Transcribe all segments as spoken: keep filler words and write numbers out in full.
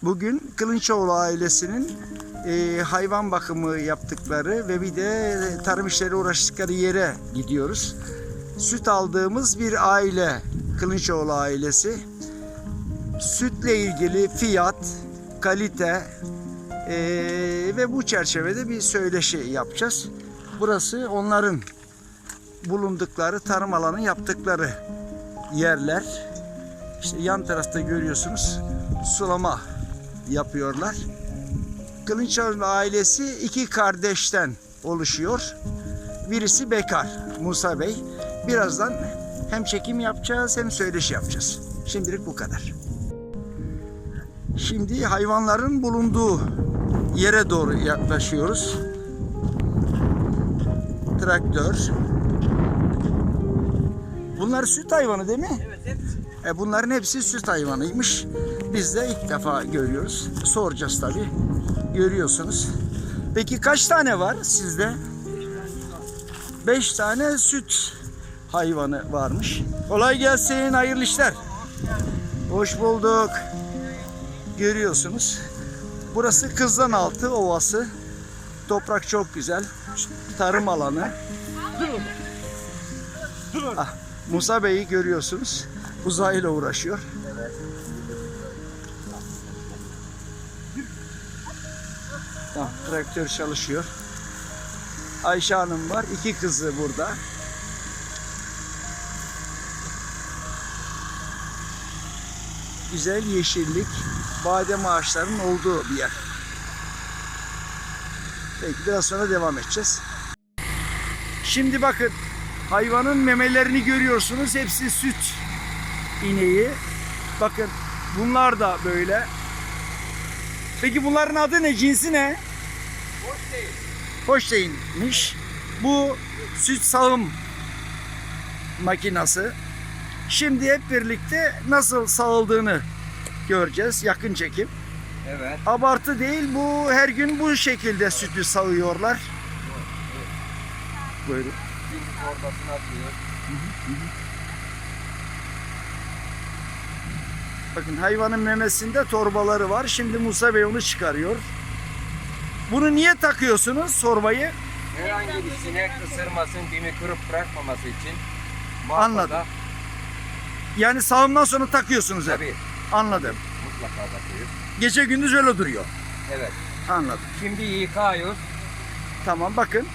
Bugün Kılınçoğlu ailesinin e, hayvan bakımı yaptıkları ve bir de tarım işleri uğraştıkları yere gidiyoruz. Süt aldığımız bir aile, Kılınçoğlu ailesi. Sütle ilgili fiyat, kalite e, ve bu çerçevede bir söyleşi yapacağız. Burası onların bulundukları, tarım alanı yaptıkları yerler. İşte yan tarafta görüyorsunuz, sulama yapıyorlar. Kılınçoğlu ailesi iki kardeşten oluşuyor. Birisi bekar, Musa Bey. Birazdan hem çekim yapacağız hem söyleşi yapacağız. Şimdilik bu kadar. Şimdi hayvanların bulunduğu yere doğru yaklaşıyoruz. Traktör. Bunlar süt hayvanı değil mi? Evet, hepsi. E bunların hepsi süt hayvanıymış. Biz de ilk defa görüyoruz. Soracağız tabii. Görüyorsunuz. Peki kaç tane var sizde? Beş tane süt hayvanı varmış. Kolay gelsin, hayırlı işler. Hoş bulduk. Görüyorsunuz. Burası Kızlanaltı Ovası. Toprak çok güzel. Tarım alanı. Ah, Musa Bey'i görüyorsunuz. Uzayla uğraşıyor. Tamam, traktör çalışıyor. Ayşe Hanım var. İki kızı burada. Güzel yeşillik, badem ağaçlarının olduğu bir yer. Peki biraz sonra devam edeceğiz. Şimdi bakın, hayvanın memelerini görüyorsunuz. Hepsi süt ineği. Bakın bunlar da böyle. Peki bunların adı ne? Cinsi ne? Holstein. Holstein'miş. Bu süt sağım makinası. Şimdi hep birlikte nasıl sağıldığını göreceğiz. Yakın çekim. Evet. Abartı değil, bu her gün bu şekilde sütü sağıyorlar. Buyurun. Şimdi torbasını atıyor. Bakın hayvanın memesinde torbaları var. Şimdi Musa Bey onu çıkarıyor. Bunu niye takıyorsunuz torbayı? Herhangi bir sinek ısırmasın, dimi kırıp bırakmaması için. Anladım. Yani sağımdan sonra takıyorsunuz hep. Tabii. Anladım. Mutlaka takıyoruz. Gece gündüz öyle duruyor. Evet. Anladım. Şimdi yıkıyoruz. Tamam, bakın.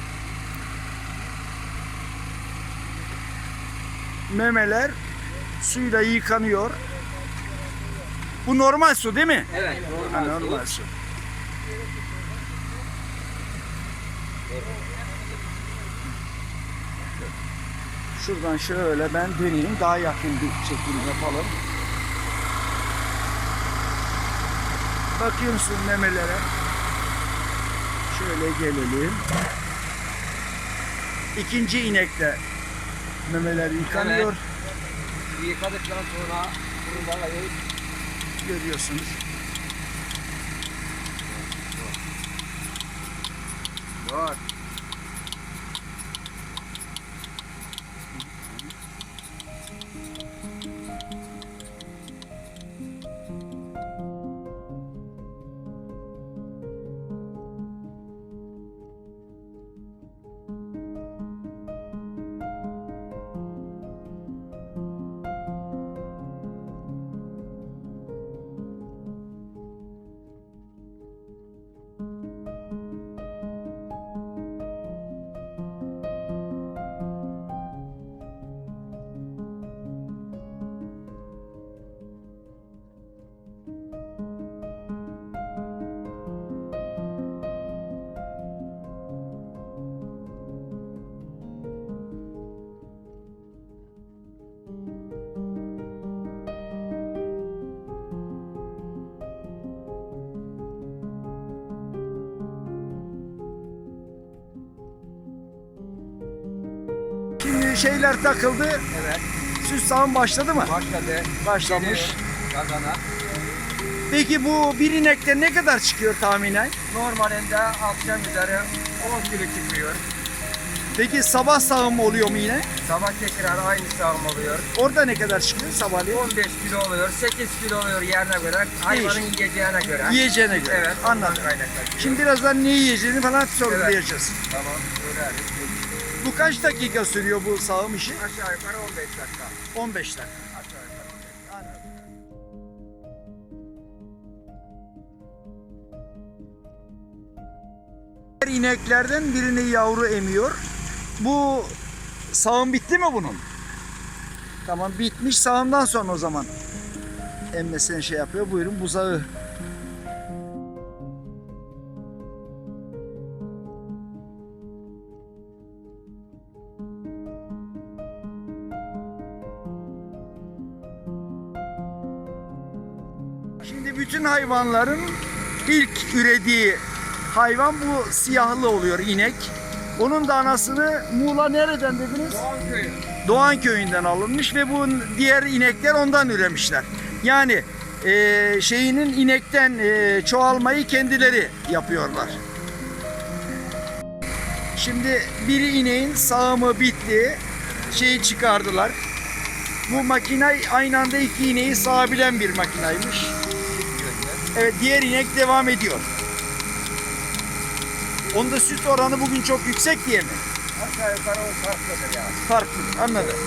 Memeler suyla yıkanıyor. Bu normal su değil mi? Evet. Ha, Normal, normal su. su. Şuradan şöyle ben döneyim. Daha yakın bir çekim yapalım. Bakıyor musun memelere? Şöyle gelelim. İkinci inekte memeler yıkanıyor. Evet. Yıkadıktan sonra bunu da ayırıp Görüyorsunuz. Var. Şimdi şeyler takıldı. Evet. Süt sağım başladı mı? Başladı. Başlamış. Geri Kazana. Peki bu bir inekte ne kadar çıkıyor tahminen? Normalinde akşam üzeri on kilo çıkıyor. Peki sabah sağım oluyor mu yine? Sabah tekrar aynı sağım oluyor. Orada ne kadar çıkıyor sabahleyin? on beş kilo oluyor, sekiz kilo oluyor yerine göre, hayvanın yiyeceğine göre. Yiyeceğine göre. Evet, Anladım. ondan kaynaklanıyor. Şimdi birazdan ne yiyeceğini falan sorgulayacağız. Tamam, söyleriz. Bu kaç dakika sürüyor bu sağım işi? Aşağı yukarı on beş dakika. on beş dakika. Aşağı yukarı on beş. Anladım. İneklerden birini yavru emiyor. Bu sağım bitti mi bunun? Tamam, bitmiş. Sağımdan sonra o zaman emmesine şey yapıyor. Buyurun buzağı. Şimdi bütün hayvanların ilk ürediği hayvan bu siyahlı oluyor, inek. Onun da anasını Muğla nereden dediniz? Doğan köyü. Doğan köyünden alınmış ve bu diğer inekler ondan üremişler. Yani e, şeyinin inekten e, çoğalmayı kendileri yapıyorlar. Şimdi biri ineğin sağımı bitti. Şeyi çıkardılar. Bu makine aynı anda iki ineği sağabilen bir makinaymış. Evet, diğer inek devam ediyor. Onda süt oranı bugün çok yüksek diye mi? Aşağı yukarı o farklıdır yani. Farklı, anladım.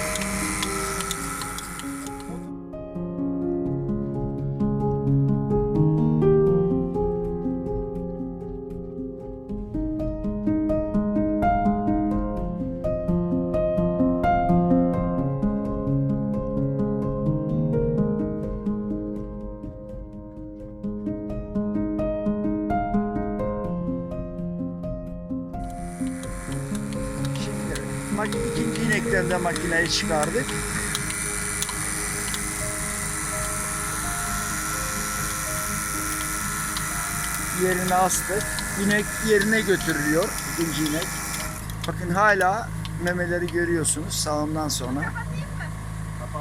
Şimdi ikinci inekten de makineyi çıkardık. Yerine astık. İnek yerine götürülüyor, ikinci inek. Bakın hala memeleri görüyorsunuz sağımdan sonra. Kapat.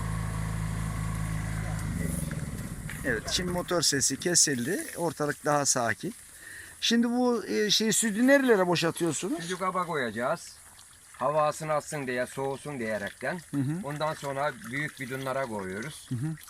Evet, şimdi motor sesi kesildi. Ortalık daha sakin. Şimdi bu e, şey sütü nerelere boşaltıyorsunuz? Sucuk kaba koyacağız. Havasını atsın diye, soğusun diyerekten. Hı hı. Ondan sonra büyük bidonlara koyuyoruz.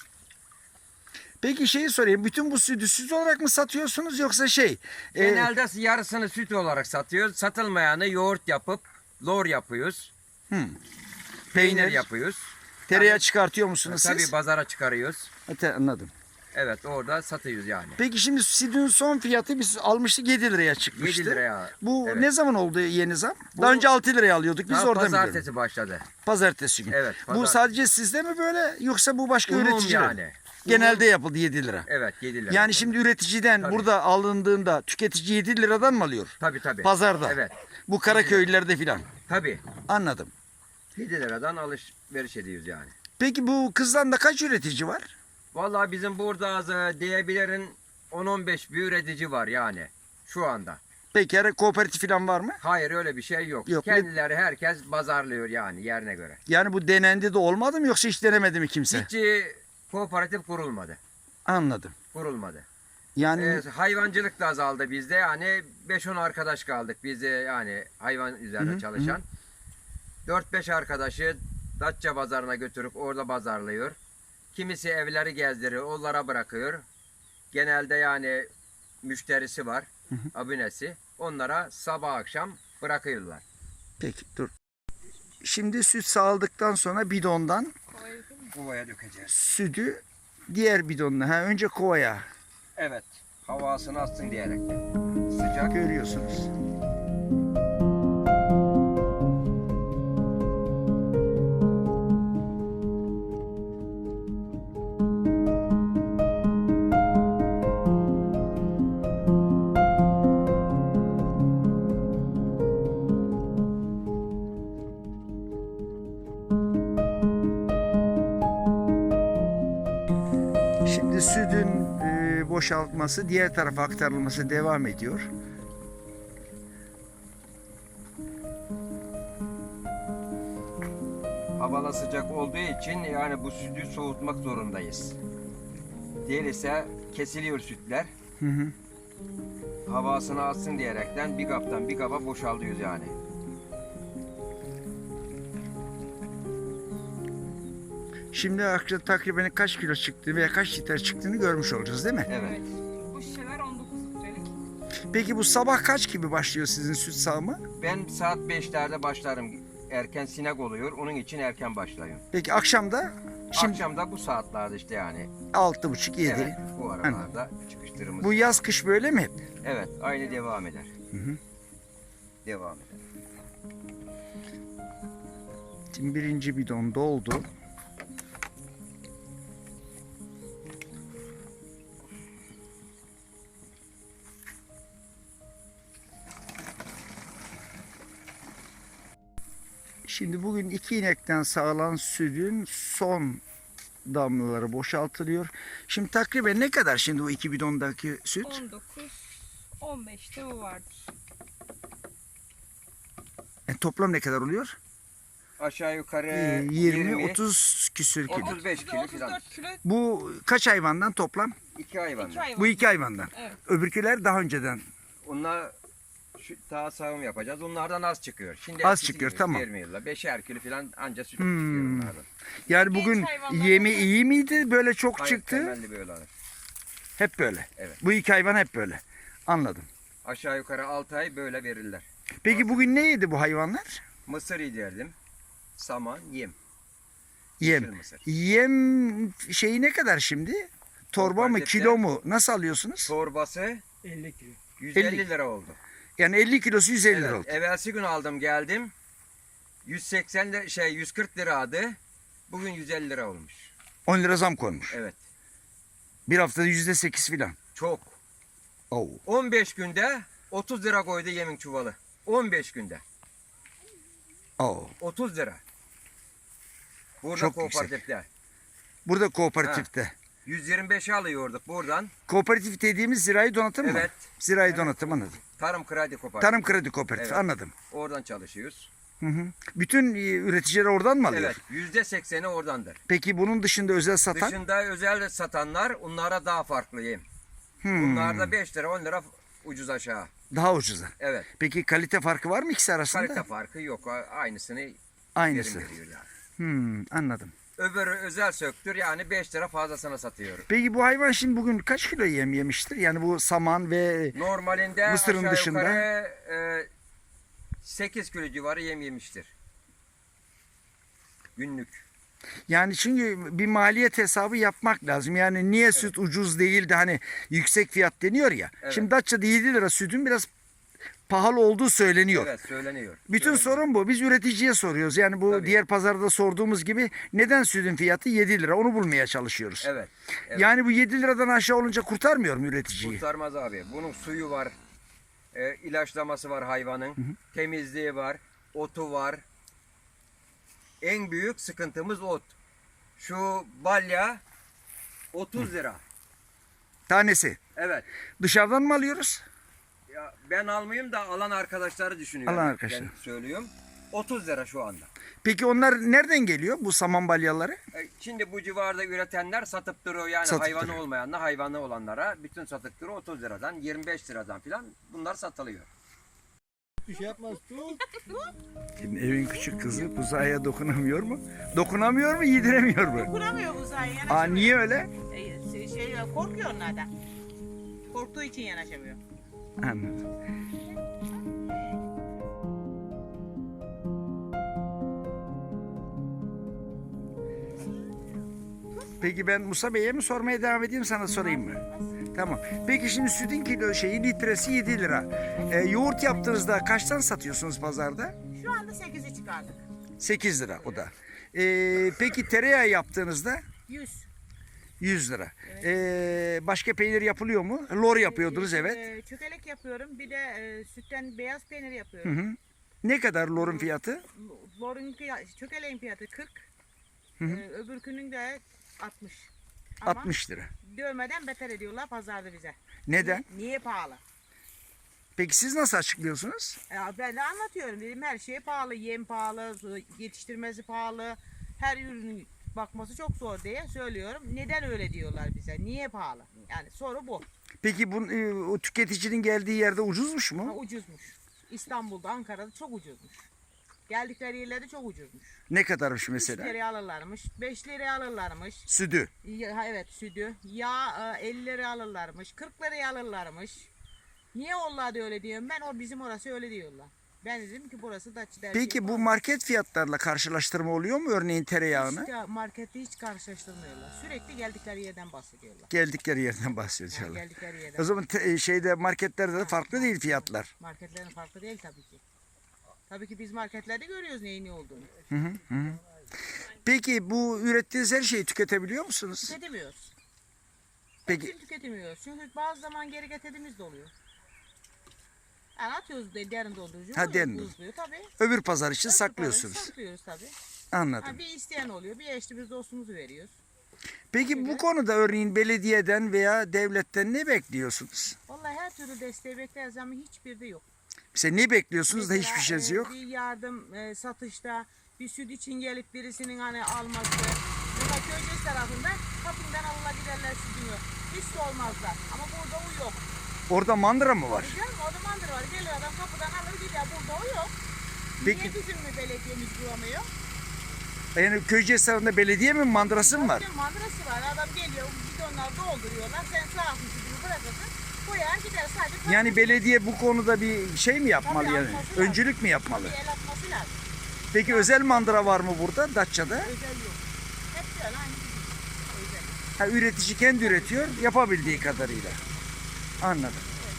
Peki şeyi sorayım. Bütün bu sütü süt olarak mı satıyorsunuz yoksa şey? e, Genelde yarısını süt olarak satıyoruz. Satılmayanı yoğurt yapıp lor yapıyoruz. hı, Peynir, Peynir. yapıyoruz. tereyağı çıkartıyor musunuz Tabii siz? pazara çıkarıyoruz. Evet, anladım. Evet, orada satıyoruz yani. Peki şimdi sütün son fiyatı biz almıştık yedi liraya çıkmıştı. yedi liraya. Bu Evet. ne zaman oldu yeni zam? Bu- Daha önce altı liraya alıyorduk. Biz Daha oradan biliyoruz. pazartesi başladı. Pazartesi günü. Evet, Bu pazartesi. sadece sizde mi böyle yoksa bu başka Umum üreticiler? yani. Genelde yapıldı yedi lira. Evet, yedi lira. Yani şimdi üreticiden Tabii. burada alındığında tüketici yedi liradan mı alıyor? Tabii tabii. Pazarda. Evet. Bu Karaköylülerde filan. Tabii. Anladım. yedi liradan alışveriş ediyoruz yani. Peki bu kızdan da kaç üretici var? Vallahi bizim burada az e, diyebilirin on on beş bir üretici var yani şu anda. Peki her kooperatif filan var mı? Hayır, öyle bir şey yok. Yok, Kendileri herkes pazarlıyor yani yerine göre. Yani bu denendi de olmadı mı yoksa hiç denemedi mi kimse? Hiç e, kooperatif kurulmadı. Anladım. Kurulmadı. Yani E, hayvancılık da azaldı bizde. Yani beş on arkadaş kaldık biz de yani hayvan üzerine Hı hı, çalışan. dört beş arkadaşı Datça pazarına götürüp orada pazarlıyor. Kimisi evleri gezdiriyor, onlara bırakıyor. Genelde yani müşterisi var, abonesi. Onlara sabah akşam bırakıyorlar. peki dur. Şimdi süt sağladıktan sonra bidondan Kovaya dökeceğiz. sütü diğer bidonuna. Ha, önce kovaya Evet, havasını atsın diyerekten. Sıcak. görüyorsunuz. Şimdi sütün e, boşaltması, diğer tarafa aktarılması devam ediyor. Havalar sıcak olduğu için yani bu sütü soğutmak zorundayız. Değilse kesiliyor sütler. Hı hı. Havasını atsın diyerekten bir kaptan bir kaba boşaltıyoruz yani. Şimdi akşam takriben kaç kilo çıktı veya kaç litre çıktığını görmüş olacağız değil mi? Evet. Bu şişeler on dokuz litrelik. Peki bu sabah kaç gibi başlıyor sizin süt sağımı? Ben saat beşlerde başlarım. Erken sinek oluyor. Onun için erken başlıyorum. Peki akşamda? Şimdi Akşam da bu saatlerde işte yani. altı buçuk yedi. Evet, bu aralarda çıkıştırımız. Bu yaz kış böyle mi hep? Evet, aynı devam eder. Hı hı. Devam eder. Şimdi birinci bidon doldu. Şimdi bugün iki inekten sağlanan sütün son damlaları boşaltılıyor. Şimdi takriben ne kadar şimdi o iki bidondaki süt? on dokuz on beşte bu vardır. E, toplam ne kadar oluyor? Aşağı yukarı Ee, yirmi otuz küsür kilo. otuz beş kilo otuz falan. dört kilo Bu kaç hayvandan toplam? İki hayvan. iki hayvan. Bu iki hayvandan. Evet. Öbürküler daha önceden. Onlar şu daha sağım yapacağız. Onlardan az çıkıyor. Şimdi Az eskisi çıkıyor, gibi tamam. vermiyorlar. Beşer kilo falan anca süt Hmm. çıkıyor onlardan. Yani Genç bugün hayvanlar yemi da- iyi miydi? Böyle çok Hayır, çıktı. temelli böyle alır. Hep böyle. Evet. Bu iki hayvan hep böyle. Anladım. Aşağı yukarı altı ay böyle verirler. Peki bugün ne yedi bu hayvanlar? Mısır yedirdim. Saman, yem. Yem. Yeşil mısır. Yem şeyi ne kadar şimdi? Torba mı, Markette- kilo mu? Nasıl alıyorsunuz? Torbası elli kilo. yüz elli elli. lira oldu. Yani elli kilosu yüz elli lira Evet, oldu. evvelsi gün aldım geldim. yüz seksen lira, şey yüz kırk liraydı. Bugün yüz elli lira olmuş. on lira zam koymuş. Evet. Bir haftada yüzde sekiz filan. Çok. Oo. on beş günde otuz lira koydu yemin çuvalı. on beş günde. Oo. otuz lira. Burada Çok yüksek. kooperatifte. Burada kooperatifte. yüz yirmi beşe alıyorduk buradan. Kooperatif dediğimiz zirai donatım mı? Evet. Zirai donatım anladım. Tarım kredi kooperatif. Tarım kredi kooperatif Evet. anladım. Oradan çalışıyoruz. Hı hı. Bütün e, üreticiler oradan mı alıyor? Evet. Yüzde sekseni oradandır. Peki bunun dışında özel satan? Dışında özel satanlar onlara daha farklı yem. Hmm, Bunlarda beş lira on lira ucuz aşağı. daha ucuza. Evet. Peki kalite farkı var mı ikisi arasında? Kalite farkı yok. Aynısını Aynısı. verim veriyor yani. Hmm, anladım. Öbürü özel söktür yani beş lira fazlasına satıyorum. Peki bu hayvan şimdi bugün kaç kilo yem yemiştir? Yani bu saman ve Normalinde Mısırın aşağı dışında? yukarı e, sekiz kilo civarı yem yemiştir. Günlük. yani çünkü bir maliyet hesabı yapmak lazım. Yani niye süt ucuz değil de hani yüksek fiyat deniyor ya. Evet. Şimdi Datça'da yedi lira sütün biraz pahalı olduğu söyleniyor. Evet söyleniyor. Bütün Söyleniyor. sorun bu. Biz üreticiye soruyoruz. Yani bu Tabii. diğer pazarda sorduğumuz gibi neden sütün fiyatı yedi lira? Onu bulmaya çalışıyoruz. Evet. evet. Yani bu yedi liradan aşağı olunca kurtarmıyor mu üreticiyi? Kurtarmaz abi. Bunun suyu var. E, ilaçlaması var hayvanın. Temizliği var. Otu var. En büyük sıkıntımız ot. Şu balya otuz lira. Tanesi. Evet. Dışarıdan mı alıyoruz? Ya ben almayayım da alan arkadaşları düşünüyorum. Alan arkadaşlar. Ben söylüyorum. otuz lira şu anda. Peki onlar nereden geliyor bu saman balyaları? E, Şimdi bu civarda üretenler satıp duruyor yani Satıp hayvanı duruyor. olmayanlar hayvanı olanlara bütün satıp duruyor otuz liradan yirmi beş liradan filan bunlar satılıyor. Bir şey yapmaz. Tut. Şimdi evin küçük kızı buzağıya dokunamıyor mu? Dokunamıyor mu, yediremiyor mu? Kuramıyor uzay yanaşamıyor. Aa niye öyle? Şey, şey, korkuyor onlardan. Korktuğu için yanaşamıyor. Anladım. Peki ben Musa Bey'e mi sormaya devam edeyim sana sorayım mı? Tamam. Peki şimdi sütün kilo şeyi litresi yedi lira. Ee, yoğurt yaptığınızda kaçtan satıyorsunuz pazarda? Şu anda sekizi çıkardık. sekiz lira o da. Ee, peki tereyağı yaptığınızda yüz. yüz lira. Ee, başka peynir yapılıyor mu? Lor yapıyordunuz evet. Ee, çökelek yapıyorum. Bir de e, sütten beyaz peynir Hı yapıyorum. hı. Ne kadar lorun fiyatı? Lorun fiyatı, çökeleğin fiyatı kırk. Hı hı. Ee, öbürkünün de altmış. Ama altmış lira. dövmeden beter ediyorlar pazarda bize. Neden? Niye pahalı? Peki siz nasıl açıklıyorsunuz? Ya ben de anlatıyorum dedim her şey pahalı, yem pahalı, yetiştirmesi pahalı, her ürünün bakması çok zor diye söylüyorum. Neden öyle diyorlar bize? Niye pahalı? Yani soru bu. Peki bu e, o tüketicinin geldiği yerde ucuzmuş Ha, mu? ucuzmuş. İstanbul'da, Ankara'da çok ucuzmuş. Geldikleri yerlerde çok ucuzmuş. Ne kadarmış üç mesela? liraya alırlarmış, beş liraya alırlarmış. Sütü. Ya, ha, evet sütü. Yağ e, elli liraya alırlarmış, kırk liraya alırlarmış. Niye onlar da öyle diyorum ben? O bizim orası öyle diyorlar. Ben dedim ki burası Datça Dersi. Peki bu market fiyatlarla karşılaştırma oluyor mu örneğin tereyağını? Hiç markette hiç karşılaştırmıyorlar. Sürekli geldikleri yerden bahsediyorlar. Geldikleri yerden Yani bahsediyorlar. geldikleri yerden. O zaman te- şeyde marketlerde de farklı değil fiyatlar. Marketlerin farklı değil tabii ki. Tabii ki biz marketlerde görüyoruz neyin ne olduğunu. Hı hı, hı. Peki bu ürettiğiniz her şeyi tüketebiliyor musunuz? Tüketemiyoruz. Peki Hepsini tüketemiyoruz. Çünkü bazı zaman geri getirdiğimiz de oluyor. Yani atıyoruz de derin dondurucu. Ha, oluyor, derin. buzluyor tabii. öbür pazar için Öbür saklıyorsunuz. parayı Saklıyoruz tabii. Anladım. Ha, bir isteyen oluyor. Bir eşli biz dostumuzu veriyoruz. Peki bu konuda örneğin belediyeden veya devletten ne bekliyorsunuz? Vallahi her türlü desteği bekleriz ama hiçbir de yok. Mesela ne bekliyorsunuz da Mesela, hiçbir şeyiniz e, yok? Bir yardım e, satışta bir süt için gelip birisinin hani alması. Mesela Köyceğiz tarafında kapından alına giderler sütünü. Hiç de olmazlar. Ama burada o yok. Orada mandıra mı var? Canım o zamandır var. Geliyor adam kapıdan alır gidiyor. Burada o yok. Peki- Niye bizim mi belediyemiz bulamıyor? Yani Köyceğiz tarafında belediye mi mandırası mı var? Tabii mandırası var. Adam geliyor bidonlar dolduruyorlar. Sen sağ olsun sütünü bırakırsın. Koyar gider sadece. para- Yani belediye bu konuda bir şey mi yapmalı Tabii, yani? atması lazım. Öncülük mü yapmalı? Bir el atması lazım. Peki özel mandıra var mı burada Datça'da? Özel yok. Hep böyle aynı bizim. Özel. Ha, üretici kendi üretiyor yapabildiği kadarıyla. Anladım.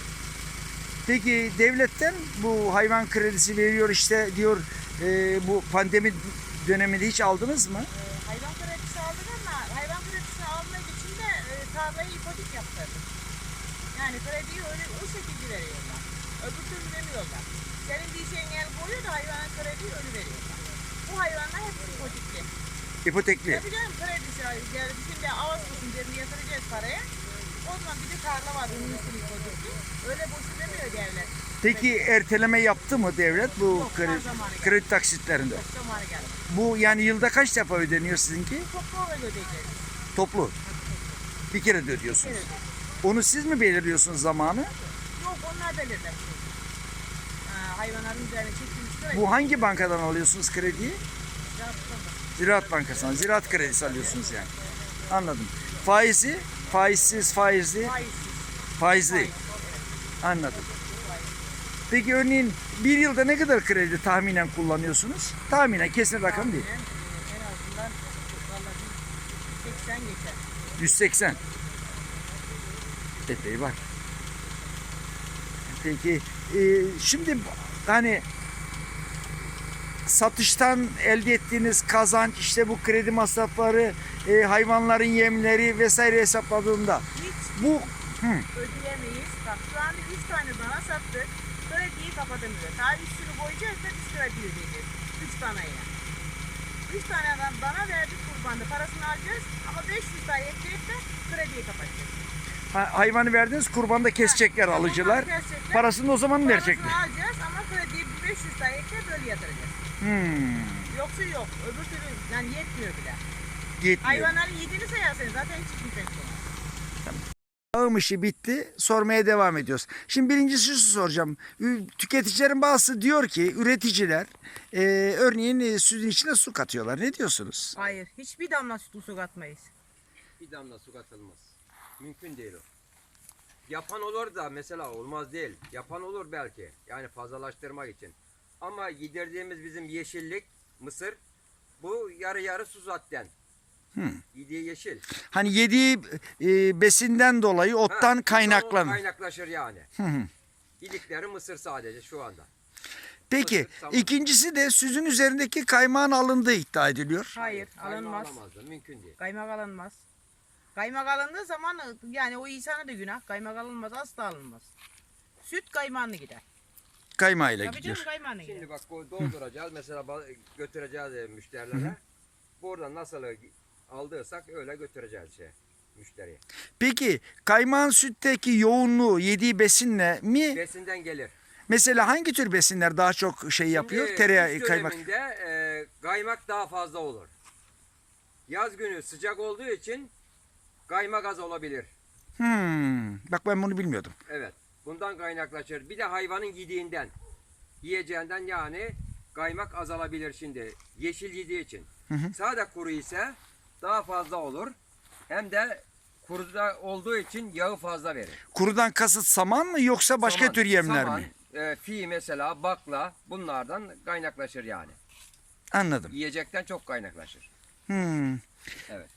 Peki devletten bu hayvan kredisi veriyor işte diyor e, bu pandemi döneminde hiç aldınız mı? Ee, hayvan kredisi aldık ama hayvan kredisi almak için de e, tarlayı ipotek yaptırdık. Yani krediyi öyle o şekilde veriyorlar. Öbür türlü demiyorlar. Senin diyeceğin el koyuyor da hayvana krediyi öyle veriyorlar. Bu hayvanlar hep ipotekli. İpotekli. Tabii canım kredisi yani şimdi Ağustos'un birini yatıracağız paraya. O zaman bir de tarla var onun üstüne ipotekli. Öyle boşu demiyor devlet. Peki erteleme yaptı mı devlet bu Yok, kredi, her zamanı geldi. kredi taksitlerinde? Çok zamanı geldi. Bu yani yılda kaç defa ödeniyor sizinki? Çok kolay ödeyeceğiz. Toplu. Bir kere de ödüyorsunuz. Evet. Onu siz mi belirliyorsunuz zamanı? Yok onlar belirler. Ha, hayvanların üzerine çekilmiş kredi. Bu hangi bankadan alıyorsunuz krediyi? Yaptım. Ziraat Bankası'ndan. Ziraat kredisi alıyorsunuz yani. Anladım. Faizi? Faizsiz, faizli, Faizsiz. faizli. Anladım. Peki örneğin bir yılda ne kadar kredi tahminen kullanıyorsunuz? Tahminen kesin rakam değil. En, en azından vallahi seksen geçer. yüz seksen. Epey var. Peki e, şimdi hani satıştan elde ettiğiniz kazanç işte bu kredi masrafları, e, hayvanların yemleri vesaire hesapladığında Hiç bu hı, ödeyemeyiz. Bak şu anda üç tane dana sattık. Krediyi kapatamıyoruz. Daha üstünü koyacağız da biz kredi ödeyeceğiz. üç taneye. üç tane adam dana verdik kurbanda. Parasını alacağız ama beş yüz daha ekleyip de krediyi kapatacağız. ha- hayvanı verdiniz kurbanda kesecekler alıcılar. Onlar kesecekler. Parasını o zaman verecekler. Parasını alacağız ama krediyi beş yüz daha ekleyip böyle yatıracağız. Hmm, Yoksa yok. Öbür türlü yani yetmiyor bile. yetmiyor. Hayvanların yediğini sayarsanız zaten hiç kimse yok. Ağım işi bitti. Sormaya devam ediyoruz. Şimdi birincisi şu soracağım. Ü- Tüketicilerin bazısı diyor ki üreticiler e, örneğin e, sütün içine su katıyorlar. Ne diyorsunuz? Hayır. Hiçbir damla sütü su katmayız. Bir damla su katılmaz. Mümkün değil o. Yapan olur da mesela olmaz değil. Yapan olur belki. Yani fazlalaştırmak için. Ama yedirdiğimiz bizim yeşillik, mısır, bu yarı yarı su zaten. Yediği yeşil. Hani yediği e, besinden dolayı Ha, ottan ondan kaynaklanır. Kaynaklaşır yani. Yedikleri mısır sadece şu anda. Peki Mısır, tamam. ikincisi de sütün üzerindeki kaymağın alındığı iddia ediliyor. Hayır. Kaymağı Alınmaz. alamazlar, mümkün değil. Kaymak alınmaz. Kaymak alındığı zaman yani o insana da günah. Kaymak alınmaz. Asla alınmaz. Süt kaymağını gider. Kaymağıyla Tabii gidiyor. canım kaymağını gider. Şimdi bak bu dolduracağız mesela ba- götüreceğiz e, müşterilere. Buradan nasıl aldıysak öyle götüreceğiz şey müşteriye. Peki kaymağın sütteki yoğunluğu yediği besinle mi? Besinden gelir. Mesela hangi tür besinler daha çok şey yapıyor? Şimdi Tereyağı, kış kaymak. döneminde e, kaymak daha fazla olur. Yaz günü sıcak olduğu için kaymak az olabilir. Hmm, bak ben bunu bilmiyordum. Evet. Bundan kaynaklaşır. Bir de hayvanın yediğinden, yiyeceğinden yani kaymak azalabilir şimdi. Yeşil yediği için. Sade kuru ise daha fazla olur. Hem de kuruda olduğu için yağı fazla verir. Kurudan kasıt saman mı yoksa başka Saman, tür yemler saman, mi? E, fi mesela, bakla bunlardan kaynaklaşır yani. Anladım. Yiyecekten çok kaynaklaşır. Hmm. Evet.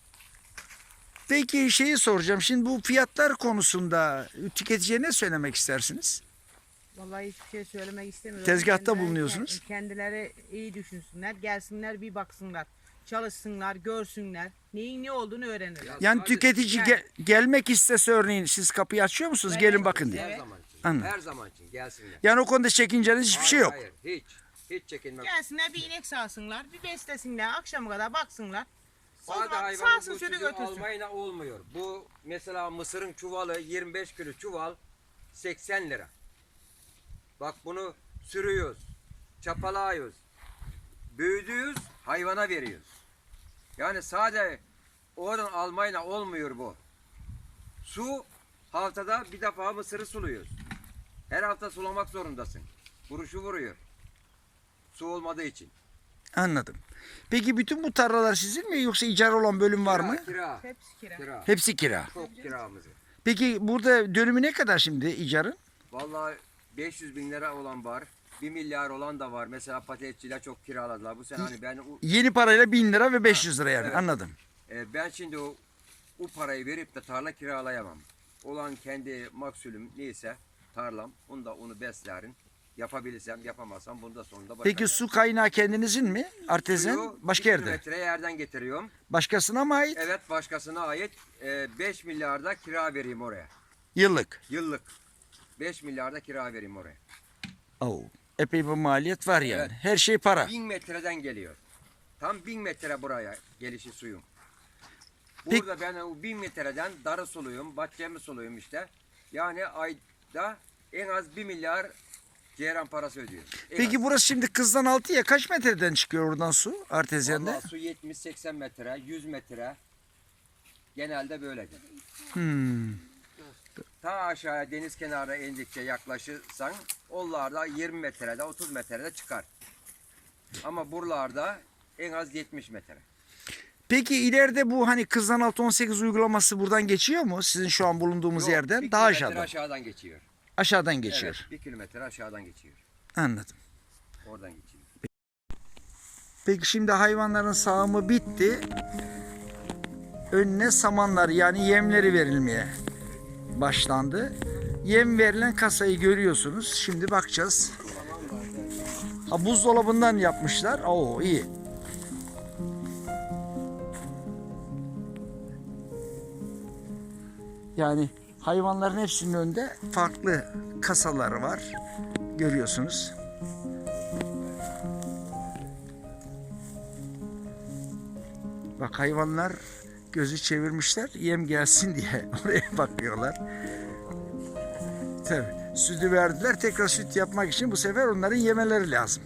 Peki şeyi soracağım. Şimdi bu fiyatlar konusunda tüketiciye ne söylemek istersiniz? Vallahi hiçbir şey söylemek istemiyorum. Tezgahta Kendileri- bulunuyorsunuz. Kendileri iyi düşünsünler, gelsinler bir baksınlar. Çalışsınlar, görsünler. Neyin ne olduğunu öğrenirler. Yani sadece- tüketici Yani- ge- gelmek istese örneğin siz kapıyı açıyor musunuz? Evet. Gelin bakın diye. Her Evet. zaman için. Anladım. Her zaman için gelsinler. Yani o konuda çekinceniz hiçbir şey yok. Hayır, hayır, hiç. Hiç çekinmek. Gelsinler bir inek sağsınlar, bir beslesinler, akşama kadar baksınlar. O Sade zaman hayvanın sağsın bu şöyle sütü götürsün. almayla olmuyor. Bu mesela mısırın çuvalı yirmi beş kilo çuval seksen lira. Bak bunu sürüyoruz, çapalıyoruz, büyüdüyoruz, hayvana veriyoruz. Yani sade oradan almayla olmuyor bu. Su haftada bir defa mısırı suluyoruz. Her hafta sulamak zorundasın. Vuruşu vuruyor. Su olmadığı için. Anladım. Peki bütün bu tarlalar sizin mi yoksa icara olan bölüm var Kira, mı? Kira, Hepsi kira. kira. Hepsi kira. Çok kiramızı. Peki burada dönümü ne kadar şimdi icarın? Vallahi beş yüz bin lira olan var. bir milyar olan da var. Mesela patatesçiler çok kiraladılar. Bu sene hani ben o- Yeni parayla bin lira ve beş yüz lira yani Evet. anladım. e, ben şimdi o, o parayı verip de tarla kiralayamam. Olan kendi maksulüm neyse tarlam. Onu da onu beslerim. Yapabilirsem yapamazsam bunu da sonunda bırakacağım. Peki su kaynağı kendinizin mi? Artezen Suyu başka bir yerde. kilometre yerden getiriyorum. Başkasına mı ait? Evet başkasına ait. E, beş milyarda kira vereyim oraya. Yıllık. Yıllık. beş milyarda kira vereyim oraya. Oo. Epey bir maliyet var yani. Evet. Her şey para. Bin metreden geliyor. Tam bin metre buraya gelişi suyum. Peki- Burada ben o bin metreden darı suluyum, bahçemi suluyum işte. Yani ayda en az bir milyar ceyran parası ödüyor. En Peki az. burası şimdi Kızdan Altı'ya kaç metreden çıkıyor oradan su artezyanda? Vallahi su yetmiş seksen metre, yüz metre. Genelde böyledir. Hmm. Ta aşağıya deniz kenarına indikçe yaklaşırsan onlarda yirmi metrede, otuz metrede çıkar. Ama buralarda en az yetmiş metre. Peki ileride bu hani Kızdan Altı on sekiz uygulaması buradan geçiyor mu? Sizin şu an bulunduğumuz Yok, yerden bir daha kilometre aşağıdan. aşağıdan geçiyor. Aşağıdan geçiyor. Evet, bir kilometre aşağıdan geçiyor. Anladım. Oradan geçiyor. Peki şimdi hayvanların sağımı bitti. Önüne samanlar yani yemleri verilmeye başlandı. Yem verilen kasayı görüyorsunuz. Şimdi bakacağız. Ha, buzdolabından yapmışlar. Oo iyi. Yani hayvanların hepsinin önünde farklı kasaları var. Görüyorsunuz. Bak hayvanlar gözü çevirmişler yem gelsin diye oraya bakıyorlar. Tabii sütü verdiler tekrar süt yapmak için bu sefer onların yemeleri lazım.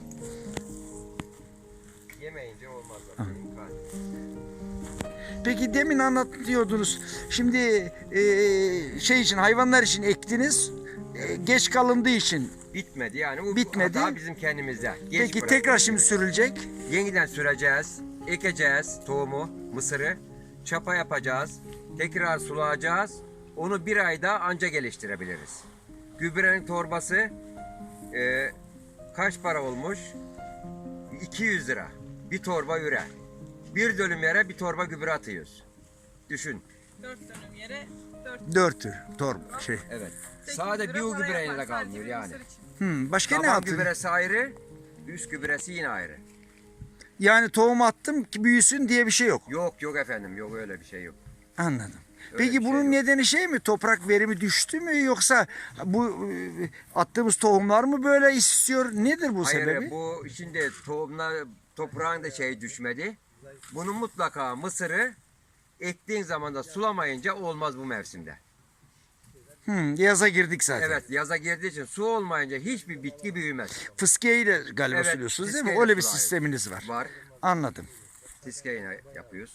Yemeyince olmaz zaten. imkan. Peki demin anlatıyordunuz. Şimdi e, şey için hayvanlar için ektiniz. E, geç kalındığı için. Bitmedi yani. Bu Bitmedi. hata bizim kendimizde. Geç Peki bıraktık. tekrar şimdi sürülecek. Yeniden süreceğiz. Ekeceğiz tohumu, mısırı. Çapa yapacağız. Tekrar sulayacağız. Onu bir ayda anca geliştirebiliriz. Gübrenin torbası e, kaç para olmuş? iki yüz lira. Bir torba üre. Bir dönüm yere bir torba gübre atıyoruz. Düşün. dört dönüm yere dört Dört tür torba şey. Evet. sekiz Sade lira bir o para gübreyle yapar de sadece kalmıyor bir yani. mısır için. Hmm, başka ne Taban yaptın? gübresi ayrı, üst gübresi yine ayrı. Yani tohum attım ki büyüsün diye bir şey yok. Yok yok efendim, yok öyle bir şey yok. Anladım. Öyle Peki bir şey bunun yok. nedeni şey mi? Toprak verimi düştü mü yoksa bu e, attığımız tohumlar mı böyle istiyor? Nedir bu Hayır sebebi? bu şimdi tohumla toprağın da şey düşmedi. Bunun mutlaka mısırı ektiğin zaman da sulamayınca olmaz bu mevsimde. Hmm, yaza girdik zaten. Evet yaza girdiği için su olmayınca hiçbir bitki büyümez. Fıskiyeyle galiba Evet, suluyorsunuz değil mi? fıskiyeyle Öyle bir sulayın. sisteminiz var. Var. Anladım. Tiskeyle yapıyoruz.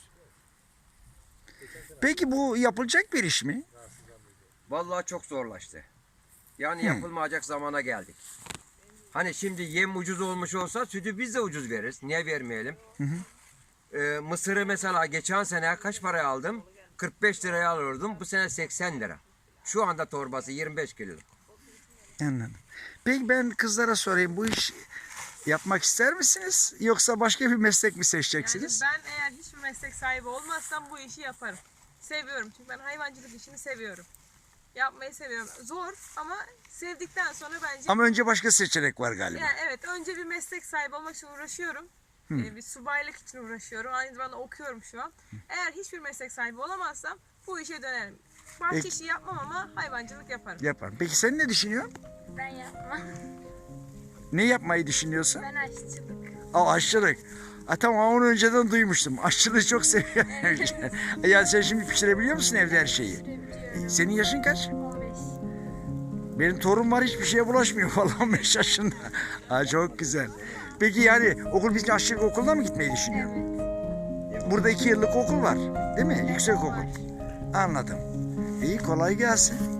Peki bu yapılacak bir iş mi? Vallahi çok zorlaştı. Yani yapılmayacak zamana geldik. Hani şimdi yem ucuz olmuş olsa sütü biz de ucuz veririz. Niye vermeyelim? Hı hı. Ee, mısırı mesela geçen sene kaç paraya aldım? kırk beş liraya alıyordum. Bu sene seksen lira. Şu anda torbası yirmi beş kilo. Anladım. Peki ben kızlara sorayım, bu iş yapmak ister misiniz? Yoksa başka bir meslek mi Yani seçeceksiniz? ben eğer hiçbir meslek sahibi olmazsam bu işi yaparım. Seviyorum çünkü ben hayvancılık işini seviyorum. Yapmayı seviyorum. Zor ama sevdikten sonra bence... Ama önce başka seçenek var galiba. Yani evet, önce bir meslek sahibi olmak için uğraşıyorum. Ee, bir subaylık için uğraşıyorum. Aynı zamanda okuyorum şu an. Eğer hiçbir meslek sahibi olamazsam bu işe dönerim. Bahçe Peki. işi yapmam ama hayvancılık yaparım. Yaparım. Peki sen ne düşünüyorsun? Ben yapmam. Ne yapmayı düşünüyorsun? Ben aşçılık. Aa, aşçılık. Ha, tamam, onu önceden duymuştum. Aşçılığı çok seviyorum. Yani sen şimdi pişirebiliyor musun evde her şeyi? Sürebiliyorum. Senin yaşın kaç? on beş. Benim torun var, hiçbir şeye bulaşmıyor falan, on beş yaşında. Ha, çok güzel. Peki yani okul bitince aşçılık okuluna mı gitmeyi düşünüyorsun? Evet. Burada iki yıllık okul var değil mi? Evet, Yüksek okul. var. Anladım. İyi, kolay gelsin.